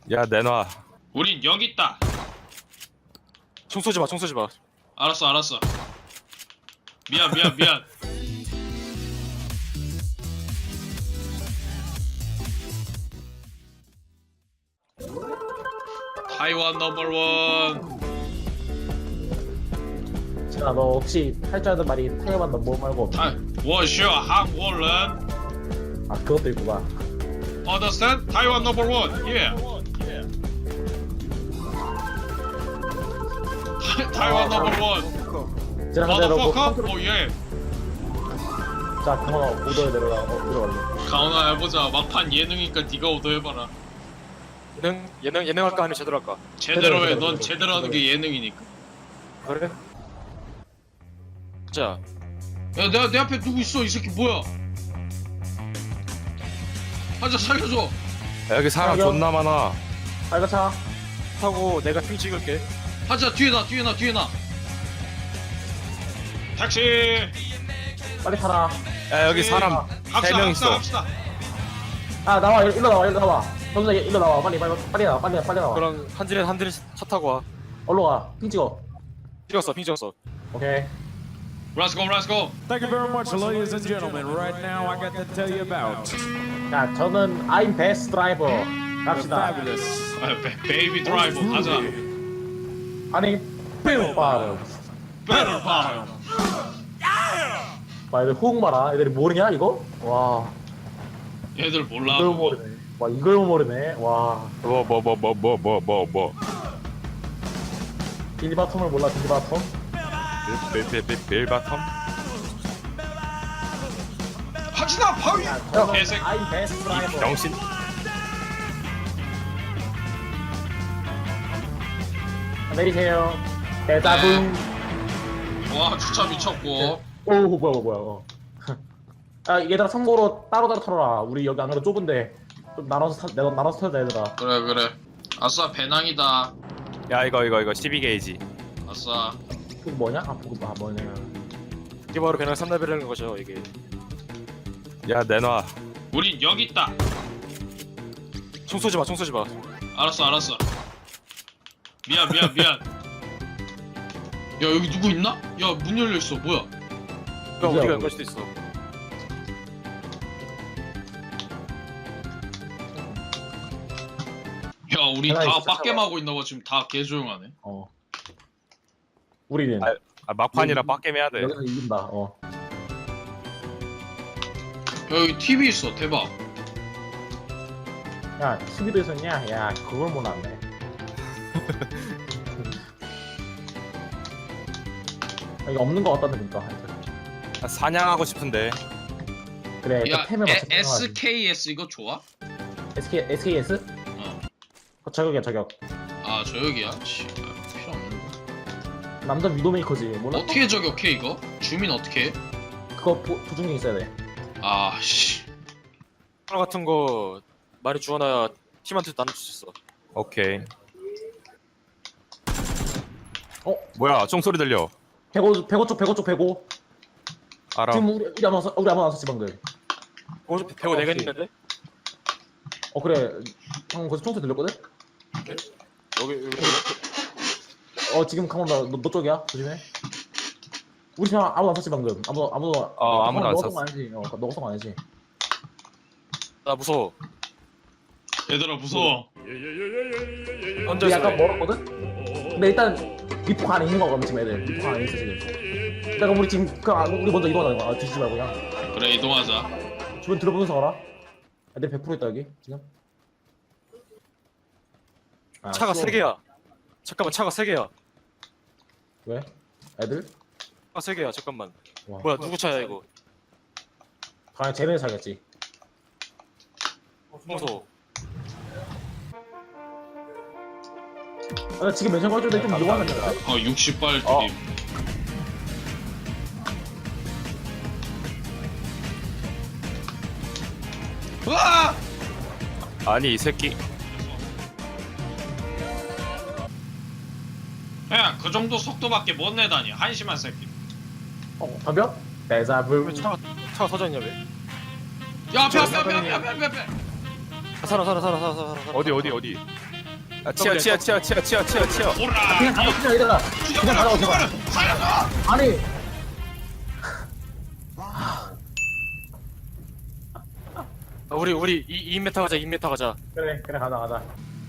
야 내놔. 우린 여기 있다. 총 쏘지 마, 총 쏘지 마. 알았어. 미안. 타이완 넘버원. 진아 너 혹시 할 줄 아는 말이 타이완 넘버 말고 없나? 워쇼 한국人. 아 그것도 있구나. Understand? 타이완 넘버원. Yeah. 타이완 넘버원. 진아 근데 너 Motherfucker. 오 예. 자 그만 오더에 내려갈래. 가온아 해보자. 막판 예능이니까 네가 오더해봐라. 예능 할까 아니면 제대로 할까? 제대로 해. 제대로, 넌 제대로 하는 게 예능이니까. 그래? 자, 야, 내 앞에 누구 있어? 이 새끼 뭐야? 하자 살려줘. 야, 여기 사람 야, 존나 많아. 빨간 차. 타고 내가 핑 찍을게. 하자 뒤에 나. 택시. 빨리 타라. 야 여기 사람 갑시다, 3명 있어. 갑시다. 아 나와 일로 나와. 정수야 일로 나와. 빨리 나와. 빨리 나와. 그럼 한 줄에 차 타고 와. 얼로 와. 핑 찍어. 핑 찍었어. 오케이. Let's go. Thank you very much, ladies and gentlemen. Right now, I got to tell you about 자 저는 I'm best driver. the 갑시다. fabulous. 베이비 드라이버 가자. 아니 뿅빠르. Better bar. 와 애들 호응 봐라. 애들이 모르냐 이거? 와 얘들 몰라. 이걸 그거. 모르네. 와 이걸 모르네. 와 뭐. 빌바텀을 몰라 빌바텀? 빌바텀? 하지마 바위. 저는 개새끼. I'm best driver. 병신. 내리세요. 대자분. 와 주차 미쳤고. 오 뭐야. 아 얘들아 참고로 따로 털어라. 우리 여기 안 그래도 좁은데 좀 내가 나눠서 털자 얘들아. 그래. 아싸 배낭이다. 야 이거 12게이지. 아싸. 그거 뭐냐? 아 그거 뭐냐? 이게 바로 그냥 3레벨이라는 거죠, 이게. 야 내놔. 우린 여기 있다. 총 쏘지 마. 알았어. 미안. 야 여기 누구 있나? 야 문 열려 있어. 뭐야? 그럼 우리가 연갈 수도 있어. 야 우리 하나 다 있어, 빡겜하고 있나봐. 지금 다 개조용하네. 우리는 아 막판이라 빡겜 해야 돼. 여기서 이긴다. 야 여기 TV 있어. 대박. 야 TV도 있었냐? 야 그걸 몰랐네. 여기 없는 거 같다는 그니까. 아, 사냥하고 싶은데. 그래. 야 템을 맞춰. SKS 이거 좋아? SKS? 저격이야 저격. 아 저역이야? 씨 필요 없는데. 남자 위도메이커지. 몰라? 어떻게 저격해 이거? 주민 어떻게 해? 그거 보증기 있어야 돼. 아씨. 하나 같은 거 많이 주워놔야 팀한테 나눠줄 수 있어. 오케이. 뭐야? 총소리 들려. 105 쪽 105. 알아. 지금 우리 아무나 안 썼지 방금. 배우 내가 있는데? 그래. 방금 거기서 총소리 들렸거든? 여기. 지금 강원 너 쪽이야? 조심해. 우리 팀 아무도 안 썼지 방금. 아무도 아무도 안 너가 썼어. 쏜거 아니지? 너가 쏜거 아니지? 나 무서워. 얘들아 무서워. 근데 혼자서 약간 해. 멀었거든? 근데 일단 리포 안에 있는 거거든 지금 애들. 리포 안에 있어 지금. 그럼 우리 지금 우리 먼저 이동하자. 뒤지지 말고 그냥. 그래 이동하자. 주변 들어보면서 가라. 애들 100% 있다 여기 지금. 차가 3개야. 잠깐만, 차가 3개야. 왜? 애들? 차가 3개야, 잠깐만. 와. 뭐야, 누구 차야, 이거? 당연히 쟤네 사겠지. 무서워. 나 지금 멘션 걸줄 때좀 이용하면 돼. 60발 어. 드립. 으아! 아니 이 새끼. 야, 그 정도 속도밖에 못 내다니 한심한 새끼. 덤벼? 대자불. 왜 차가 터졌냐, 왜? 야, 앞에. 살아. 어디. 치어 치어 치어 치어 치어 치어 치어. 오라. 그냥 가자 그냥 얘들아 그냥 가자고 제발 살려줘. 아니 우리 2m 가자 2m 가자. 그래 가자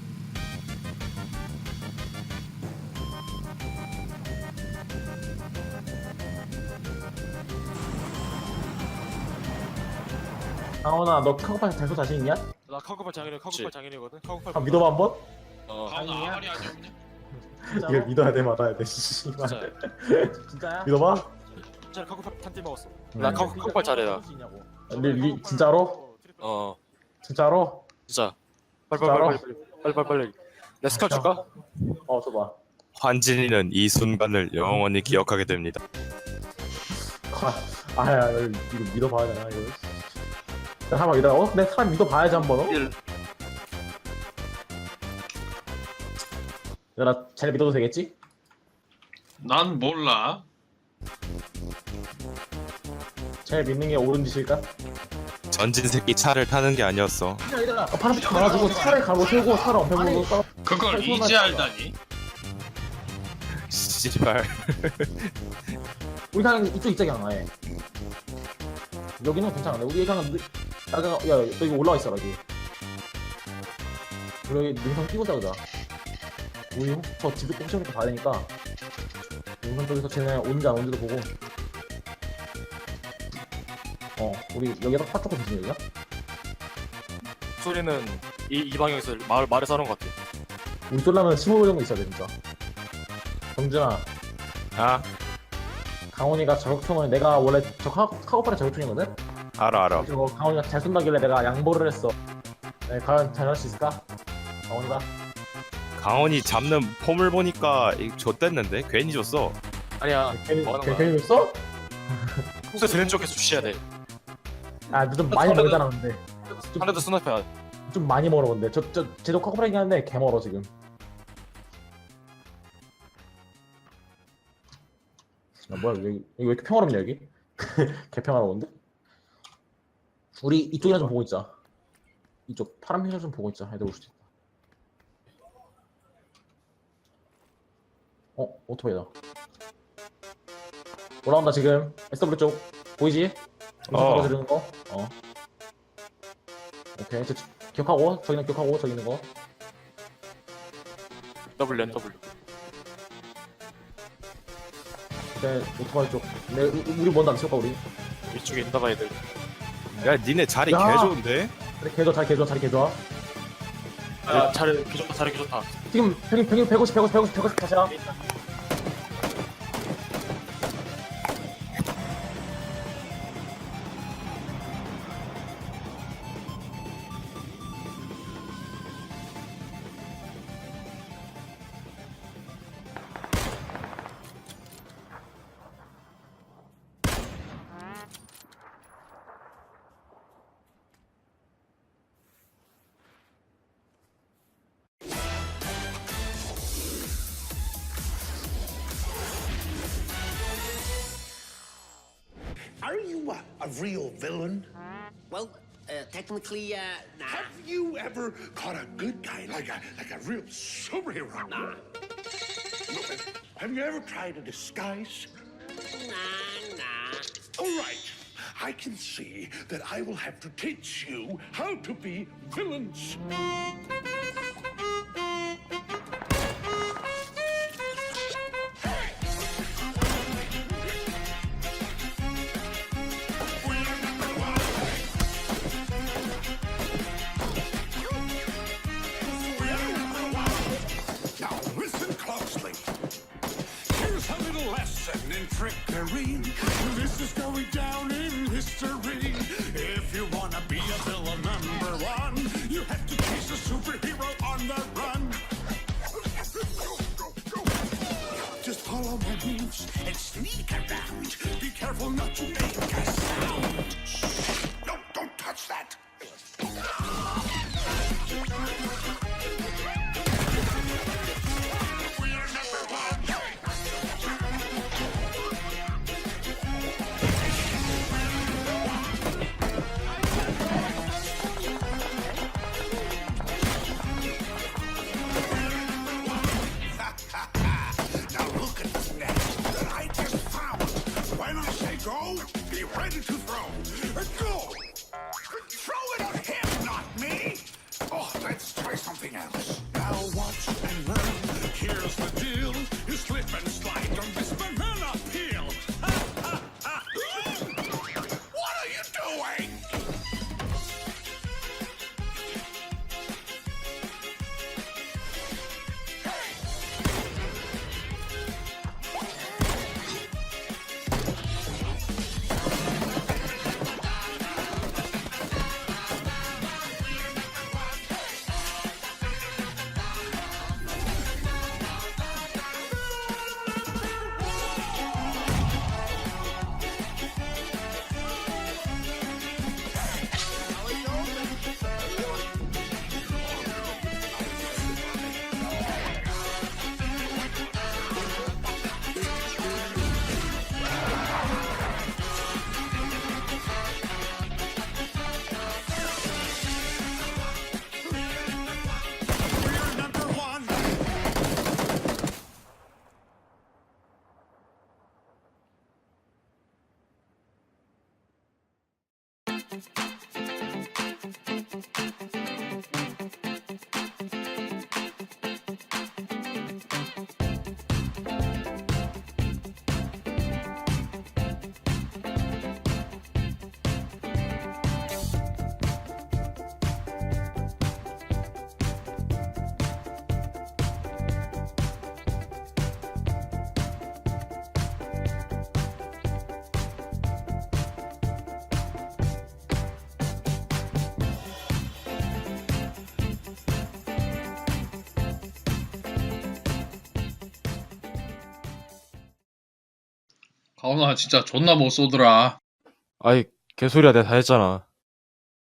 강원아 너 카고팔 잘 쏘 자신 있냐? 나 카고팔 장인이거든. 카고팔. 한번 믿어봐 한번? 가훈아 아무리 하지 없냐? 이걸 믿어야 돼 말아야 돼 씨발 진짜. 진짜야? 믿어봐? 진짜 카고팔 탄띠 먹었어. 나 카고팔 잘해 나. 진짜로? 진짜로? 진짜. 빨리. 내 스카 줄까? 줘봐 환진이는 이 순간을 영원히 기억하게 됩니다. 아야 이거 믿어봐야 되나 이거 잠깐만 기다려 내 사람 믿어봐야지 한번 얘들아 잘 믿어도 되겠지? 난 몰라. 잘 믿는 게 옳은 짓일까? 전진 새끼 차를 타는 게 아니었어. 얘들아 파란색 말아주고 차를 가로 세우고 차를 엄폐 보고 그걸 이제 알다니? 씨발. 우리 그냥 이쪽 있자기 아예 여기는 괜찮은데 우리 그냥 야 여기 올라와 있어라 여기 우리 여기 능선 끼고 자자 우리 저 집에 꽁쳐니까 봐야 되니까 능선 쪽에서 쟤네 온지 안 온지도 보고 우리 여기다 파 조금 주지 여기가? 소리는 이 방향에서 마을에 사는 것 같아. 우리 쏠라면 15분 정도 있어야 돼 진짜 정준아 아 강원이가 저격총을 내가 원래 저 카고팔의 저격총이거든? 알아. 그리고 강원이가 잘 쏜다길래 내가 양보를 했어 과연 잘할 수 있을까? 강원이가? 강원이 잡는 폼을 보니까 좆됐는데 괜히 줬어. 아니야. 뭐 하는 거야? 괜히 줬어? 평소에 들은 쪽에서 주셔야 돼. 너 좀 많이 멀잖아 근데 하나도 스나이퍼야. 좀 많이 멀어 근데 쟤도 카고팔이긴 한데 개 멀어 지금 뭐야 여기 왜 이렇게 평화롭냐 여기? 개 평화로운데? 우리 이쪽이나 좀 보고 있자 이쪽 파란 편이나 좀 보고 있자 애들 올 수도 있다 오토바이다 올라온다 지금 SW 쪽 보이지? 바로 지르는 거? 오케이 기억하고 저기는 기억하고 저기 있는 거 W. 오케이 오토바이 쪽 우리 먼저 안 칠까 우리? 이쪽에 있나 봐 애들. 야 니네 자리 야. 개 좋은데? 그래 개 좋아 자리 개 좋아 자리 좋다. 지금 평균 150 다시야 Are you a real villain? Well, technically, nah. Have you ever caught a good guy like a real superhero? Nah. Have you ever tried a disguise? Nah. All right. I can see that I will have to teach you how to be villains. Now listen closely. Here's a little lesson in trickery. This is going down in history. If you wanna be a villain #1, you have to chase a superhero on the run. Just follow my moves and sneak around. Be careful not to make a sound. No, don't touch that. 가훈아 진짜 존나 못 쏘더라. 아이 개소리야 내가 다 했잖아.